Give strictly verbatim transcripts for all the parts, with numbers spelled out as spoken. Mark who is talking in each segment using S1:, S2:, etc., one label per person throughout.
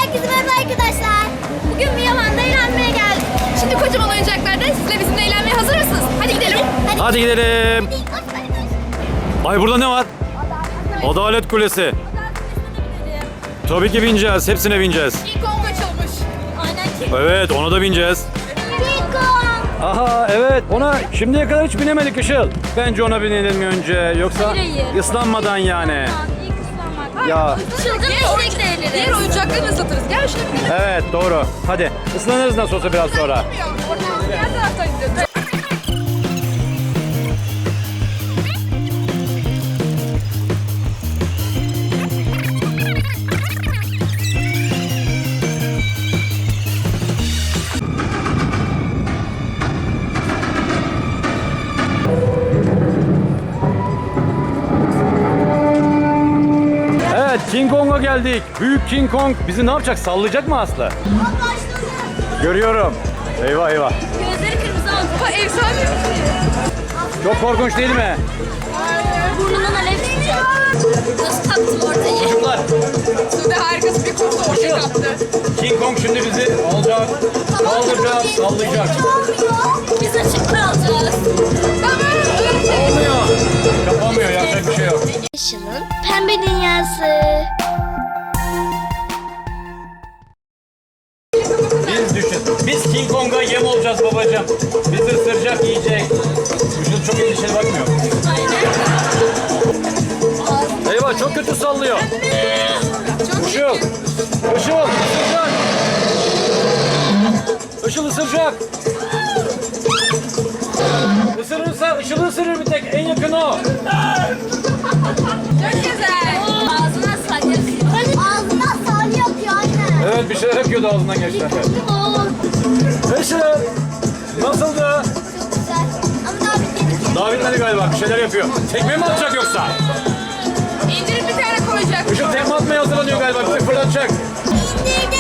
S1: Herkese merhaba arkadaşlar. Bugün Miyaman'da eğlenmeye geldik.
S2: Şimdi kocaman oyuncaklarda sizle bizimle eğlenmeye hazır mısınız? Hadi gidelim.
S1: Hadi,
S3: Hadi gidelim.
S1: Hadi, koş, hadi, koş.
S3: Ay burada ne var? Adalet Kulesi. Tabii ki bineceğiz. Hepsine bineceğiz.
S2: King Kong açılmış.
S1: Aynen.
S3: Evet, ona da bineceğiz.
S1: King Kong.
S3: Aha evet, ona şimdiye kadar hiç binemedik Işıl. Bence ona binelim önce, yoksa
S1: Hayır, hayır.
S3: ıslanmadan yani. Ya
S1: Çılgın eşek de
S2: Diğer
S1: eğleniriz.
S2: oyuncaklarını ıslatırız. Gel şuna binelim.
S3: evet doğru. Hadi ıslanırız nasıl olsa biraz sonra.
S2: Oradan diğer taraftan gidiyoruz.
S3: Evet, King Kong'a geldik. Büyük King Kong bizi ne yapacak? Sallayacak mı Aslı? Görüyorum. Eyvah eyvah.
S1: Gözleri kırmızı oldu.
S2: Bu efsane bir şey.
S3: Çok korkunç değil mi?
S1: Burnundan alev çıkacak. Nasıl taktım ortayı?
S3: Çocuklar,
S2: Sude harikası bir kurdu ortaya kaptı.
S3: King Kong şimdi bizi alacak, kaldıracak, sallayacak.
S1: Biz açık kalacağız.
S3: Olmuyor. Kapamıyor, yapacak bir şey yok.
S1: Işıl'ın pembe dünyası.
S3: Biz düşün. Biz King Kong'a yem olacağız babacığım. Bizi ısıracak, yiyecek. Işıl çok endişeli bakmıyor. Eyvah, çok kötü sallıyor. Işıl. Işıl ısıracak. Işıl ısıracak. Isırırsa Işıl'ı ısırır bir tek. En yakın o.
S2: Çok güzel.
S1: Ağzına salya. Ağzına salya yapıyor anne.
S3: Evet, bir şeyler yapıyordu ağzından geçti. Işıl. Nasıldı?
S1: Çok güzel. Ama daha bitmedi ki.
S3: Daha bitmedi galiba. Bir şeyler yapıyor. Tekme mi atacak yoksa?
S2: İndirip bir tane koyacak.
S3: Işıl tekme atmaya hazırlanıyor galiba. Bizi fırlatacak.
S1: İndirdi.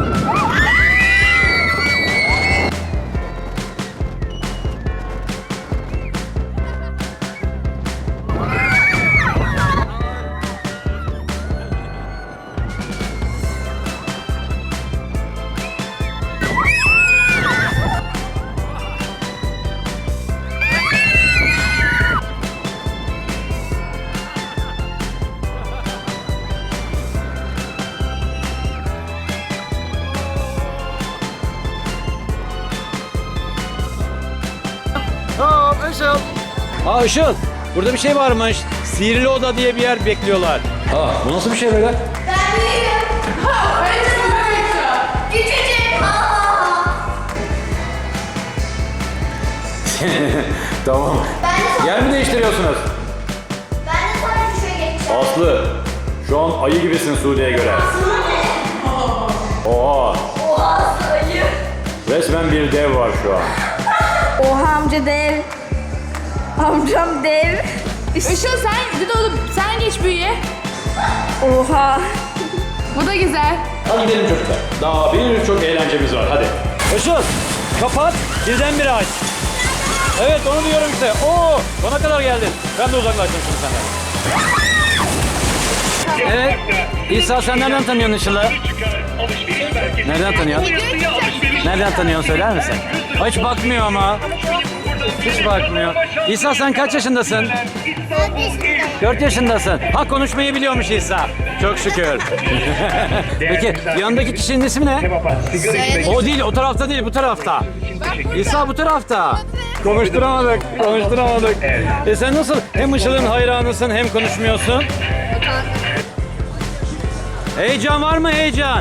S3: Hop Işıl. Aa Işıl. Burada bir şey varmış. Sihirli oda diye bir yer bekliyorlar. Aa bu nasıl bir şey böyle?
S1: Küçücük.
S3: Tamam.
S1: Ben de
S3: Yer mi değiştiriyorsunuz?
S1: Ben de sonra şuraya geçeceğim.
S3: Aslı. Şu an ayı gibisin Sude'ye göre. Oha.
S1: Oha sayı.
S3: Resmen bir dev var şu an.
S4: Oha amca dev. Amcam dev.
S2: Işıl sen git oğlum. Sen geç büyüye.
S4: Oha.
S2: Bu da güzel.
S3: Hadi gidelim çocuklar. Daha birçok eğlencemiz var. Hadi. Işıl. Kapat. Birdenbire aç. Evet onu diyorum işte. Oo, sona kadar geldin. Ben de uzaklaştım şimdi senden. Evet. İsa sen nereden tanıyorsun Işıl'ı? Nereden tanıyorsun? Nereden tanıyorsun söyler misin? Hiç bakmıyor ama. Hiç bakmıyor. İsa sen kaç yaşındasın? Dört yaşındasın. Ha konuşmayı biliyormuş İsa. Çok şükür. Peki yanındaki kişinin ismi ne? O değil, o tarafta değil, bu tarafta. İsa bu tarafta. Konuşturamadık, konuşturamadık. E sen nasıl hem Işıl'ın hayranısın hem konuşmuyorsun? Heyecan var mı heyecan?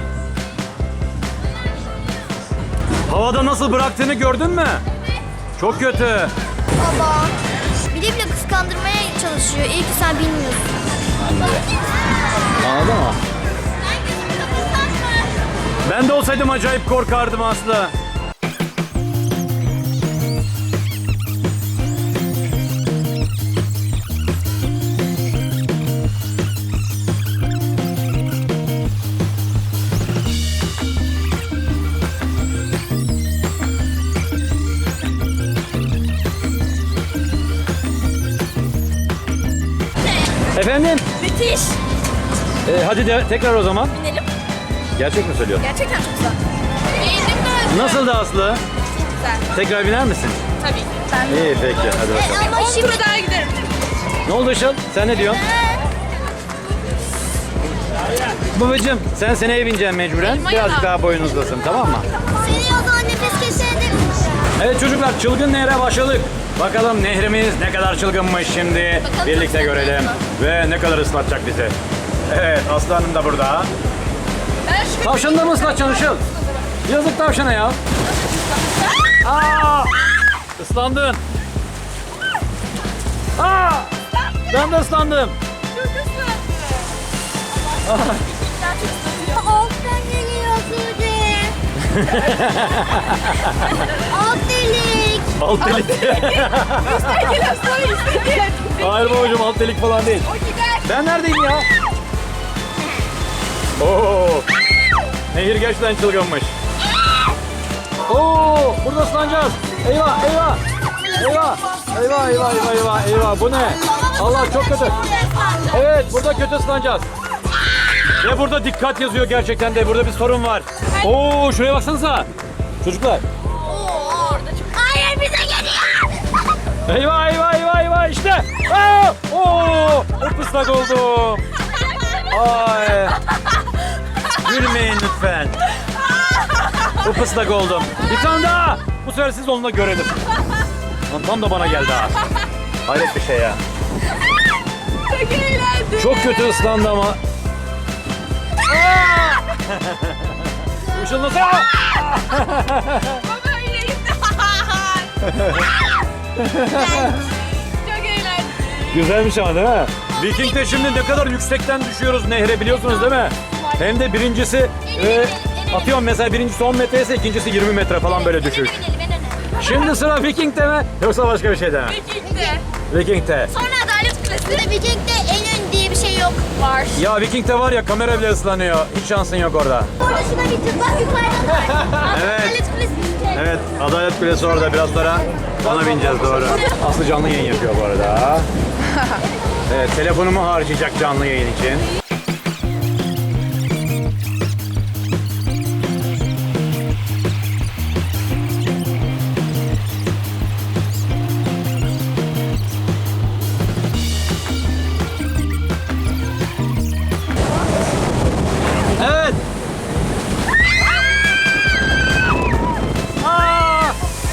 S3: Havada nasıl bıraktığını gördün mü? Çok kötü.
S1: Baba. Bile bile kıskandırmaya çalışıyor. İyi ki sen bilmiyorsun.
S3: Anladın mı?
S1: Sen gözümü kapatsan mı?
S3: Ben de olsaydım acayip korkardım Aslı. Efendim?
S1: Müthiş.
S3: Ee, hadi de, tekrar o zaman.
S1: Binelim.
S3: Gerçek mi söylüyorsun?
S2: Gerçekten çok güzel. Beğendim de.
S3: Nasıl da Aslı?
S2: Güzel.
S3: Tekrar biner misin?
S2: Tabii ki. Ben
S3: İyi peki hadi bakalım.
S1: Ama
S2: on
S1: şimdi
S2: tur daha giderim.
S3: Ne oldu Işıl? Sen ne diyorsun? Babacım sen seneye bineceksin mecburen.
S2: Elma
S3: Birazcık
S2: yana.
S3: daha boyun uzasın tamam mı?
S1: seni o zaman nefes keserim.
S3: Evet çocuklar çılgın nehre başladık. Bakalım nehrimiz ne kadar çılgınmış şimdi.
S2: Bakalım
S3: Birlikte
S2: çok
S3: görelim. Ve ne kadar ıslatacak bizi. Evet Aslı Hanım da burada.
S2: Ben şu
S3: Tavşanı da mı ıslatacaksın Işıl? Yazık tavşana ya. Aa! Islandın. Aa! Ben de ıslandım.
S1: Alttan geliyor Sude. Alt delik.
S3: Alt delik.
S2: geliyor sonra istediğin.
S3: Hayır babacığım alt delik falan değil.
S2: O gider.
S3: Ben neredeyim ya? Oo! Nehir gerçekten çılgınmış. Oo! Burada ıslanacağız. Eyvah eyvah. Eyvah. Eyvah eyvah eyvah eyvah eyvah. Bu ne? Allah çok kötü. Evet burada kötü ıslanacağız. Ve burada dikkat yazıyor gerçekten de. Burada bir sorun var. Oo şuraya baksanıza. Çocuklar.
S1: Hayır bize geliyor.
S3: Eyvah eyvah eyvah eyvah işte. Aa! Oo! Islak oldum. Ay. Gülmeyin lütfen. Upıslak oldum. Bir tane daha. Bu sefer siz onunla görelim. Lan tam da bana geldi ha. Hayret bir şey ya.
S2: Çok eğlendim.
S3: Çok kötü ıslandı ama. Aa! Işıl nasıl?
S2: Baba yine gitti. Çok eğlendim.
S3: Güzelmiş ama değil mi? Viking'de şimdi ne kadar yüksekten düşüyoruz nehre biliyorsunuz değil mi? Hem de birincisi e, atıyorum mesela birincisi on metre ise ikincisi yirmi metre falan böyle düşüş. Şimdi sıra Viking'de mi yoksa başka bir şeyde mi?
S2: Viking'de.
S3: Viking'de.
S2: Sonra Adalet Kulesi.
S1: Ve Viking'de en ön diye bir şey yok.
S2: Var.
S3: Ya Viking'de var ya kamera bile ıslanıyor. Hiç şansın yok orada.
S1: Orada şuna bir tık bak yukarıda var.
S3: Evet.
S1: Adalet Kulesi.
S3: Evet Adalet Kulesi orada biraz sonra ona bineceğiz doğru. Aslı canlı yayın yapıyor bu arada. Evet telefonumu harcayacak canlı yayın için. Evet. Aa!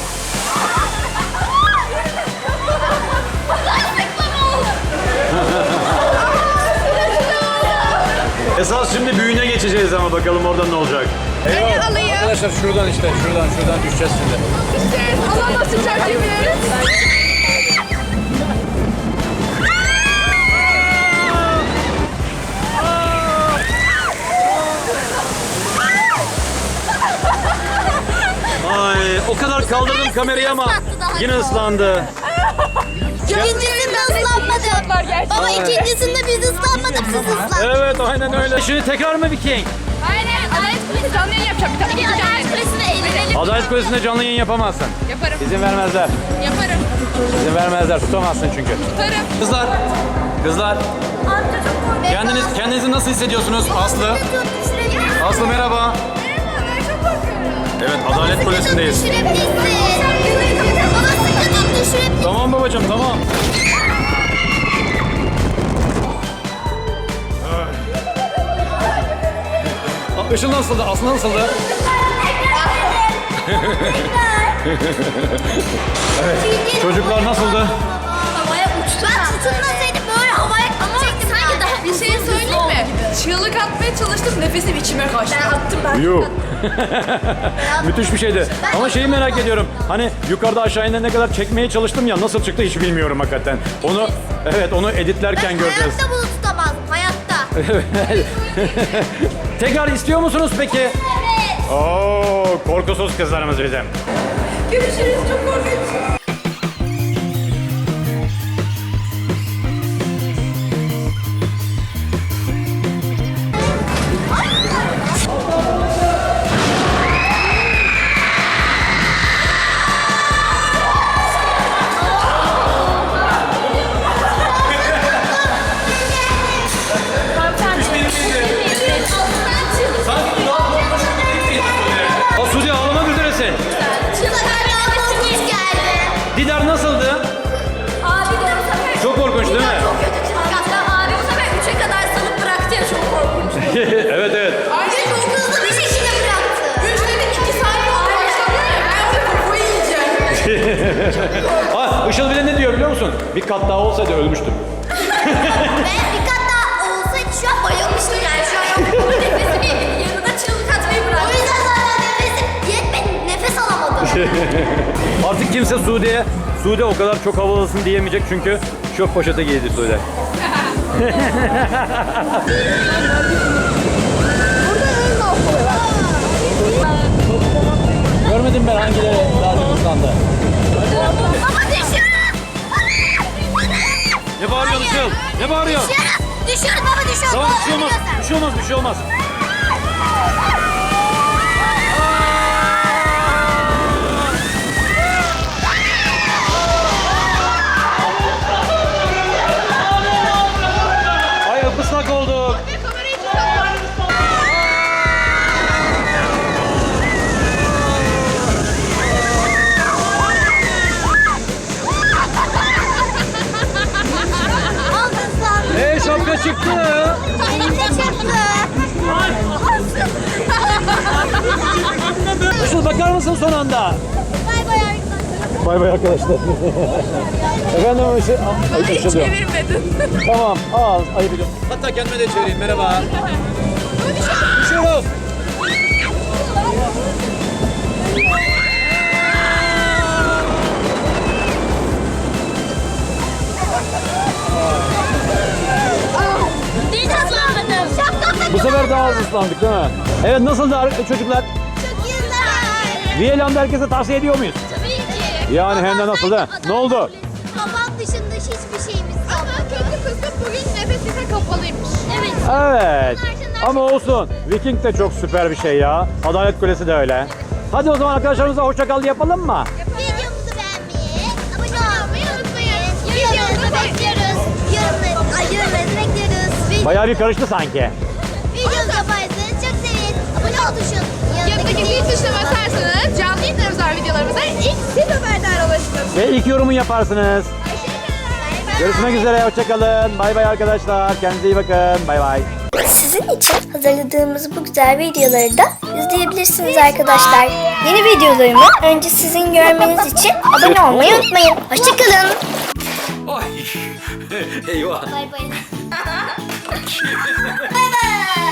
S3: Esas şimdi büyüğüne geçeceğiz ama bakalım orada ne olacak.
S2: Beni alayım.
S3: Arkadaşlar şuradan işte şuradan şuradan düşeceğiz şimdi.
S2: İşte Allah nasıl çarpabiliriz?
S3: Ay o kadar kaldırdım kamerayı ama yine ıslandı.
S1: İkincisinde ıslanmadım. Baba ikincisinde biz ıslanmadık siz ıslandınız.
S3: Evet aynen öyle. Şimdi tekrar mı Viking?
S2: Aynen. Adalet Kulesi canlı yayın yapacağım. Bir tane
S1: Hadi
S2: geleceğim.
S1: Adalet Kulesi'ne eğlenelim.
S3: Adalet Kulesi'nde canlı yayın yapamazsın.
S2: Yaparım.
S3: İzin vermezler.
S2: Yaparım.
S3: İzin vermezler. Tutamazsın çünkü.
S2: Tutarım.
S3: Kızlar. Kızlar. Kendiniz kendinizi nasıl hissediyorsunuz Aslı? Aslı merhaba.
S2: Ben çok korkuyorum.
S3: Evet Adalet Kulesi'ndeyiz.
S1: Düşürebilirsin. Baba sıkı tut düşürebilirsin.
S3: Tamam babacığım tamam. Aa, Işıl nasıldı? Aslı nasıldı? Çocuklar nasıldı?
S1: Havaya uçtu. Ben tutunmasaydım böyle havaya çektim. Sanki daha
S2: Bir şey söyleyeyim mi? Çığlık atmaya çalıştım. Nefesim içime kaçtı. Ben attım ben.
S3: Yuh. Müthiş bir şeydi. Ama şeyi merak ediyorum. Hani yukarıda aşağı inene kadar çekmeye çalıştım ya nasıl çıktı hiç bilmiyorum hakikaten. Onu evet onu editlerken
S1: Ben
S3: göreceğiz.
S1: hayatta bunu tutamazdım. Hayatta.
S3: Tekrar istiyor musunuz peki?
S1: Evet.
S3: Oo, korkusuz kızlarımız bizim.
S2: Görüşürüz. Çok korkunç.
S3: Sanki daha Ha, Işıl bile ne diyor biliyor musun? Bir kat daha olsaydı ölmüştüm.
S1: Ben bir kat daha olsaydı şu an bayılmıştım yani şu an yok.
S2: Nefesini yanına çığlık atmayı
S1: O
S2: bırak.
S1: yüzden zaten nefesim yetmedi, nefes alamadım.
S3: Artık kimse Sude'ye, Sude o kadar çok havalısın diyemeyecek çünkü çöp poşete giydi Sude. Görmedim ben hangileri daha çok ıslandı.
S1: Baba düşüyoruz.
S3: Ne bağırıyorsun Işıl? Ne bağırıyorsun?
S1: Düşüyoruz. Düşüyoruz baba düşüyoruz.
S3: Tamam
S1: Baba,
S3: bir şey olmaz,
S1: ölüyorsun.
S3: bir şey olmaz, bir şey olmaz. Ay ıslak olduk.
S1: Aldın sen.
S3: Hey şapka çıktı.
S1: Elimde çıktı.
S3: Işıl bakar mısın son anda?
S1: Bay bay arkadaşlar.
S3: Bay bay arkadaşlar. Efendim Işıl. Ay, Işıl diyor.
S2: Çevirmedin.
S3: Tamam al ayıp ediyorum. Hatta kendime de çevireyim merhaba. Düşüyoruz.
S1: Hiç ıslanmadım. Şapkam da
S3: Bu sefer daha az ıslandık değil mi? Evet nasıldı ar- çocuklar?
S1: çok güzel.
S3: Viyelan'da herkese tavsiye ediyor muyuz?
S1: Tabii ki.
S3: Yani hem de nasıl da? Ne oldu?
S1: Babam dışında hiçbir şeyimiz yok.
S2: Ama kötü kısım bugün nefesine kapalıymış.
S1: Evet.
S3: Evet. Ama olsun. Viking de çok süper bir şey ya. Adalet Kulesi de öyle. Hadi o zaman arkadaşlarımıza hoşça kal yapalım mı?
S1: Videomuzu beğenmeyi, abone olmayı unutmayın. Videomuzu bekliyoruz. Yorumları, ay yorumlarınızı bekliyoruz.
S3: Bayağı bir karıştı sanki.
S1: Videomuzu yaparsanız çok seviniz. Abone ol tuşun.
S2: Yanındaki zil tuşuna basarsanız canlı yayınlar özel videolarımıza ilk siz haberdar olursunuz.
S3: Ve ilk yorumu yaparsınız. Görüşmek üzere. Hoşça kalın. Bay bay arkadaşlar. Kendinize iyi bakın. Bay bay.
S5: Sizin için hazırladığımız bu güzel videoları da izleyebilirsiniz arkadaşlar. Yeni videolarımı önce sizin görmeniz için abone olmayı unutmayın. Hoşçakalın.
S3: Ay. Eyvah.
S1: Bay bay.